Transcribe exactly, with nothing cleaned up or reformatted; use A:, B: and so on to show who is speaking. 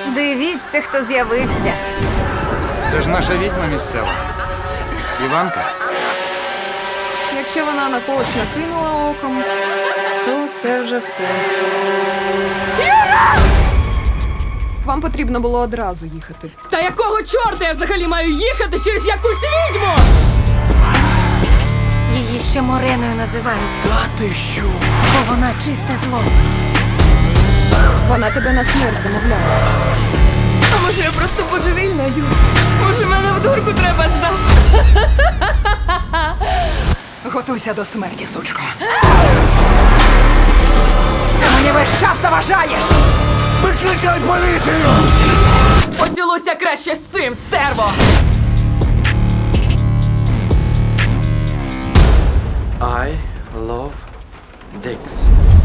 A: Дивіться, хто з'явився.
B: Це ж наша відьма місцева. Іванка.
C: Якщо вона на когось накинула оком, то це вже все. Вам потрібно було одразу їхати.
D: Та якого чорта я взагалі маю їхати через якусь відьму?
A: Її ще Мореною називають.
B: Та ти що?
A: Бо вона чисте зло.
C: Вона тебе на смерть замовляла.
D: А може я просто божевільна, Ю? Може мене в дурку треба здати?
E: Готуйся до смерті, сучко. Ти мені весь час заважаєш!
B: Викликай поліцію!
D: Поцілуйся краще з цим, стерво!
F: I love dicks.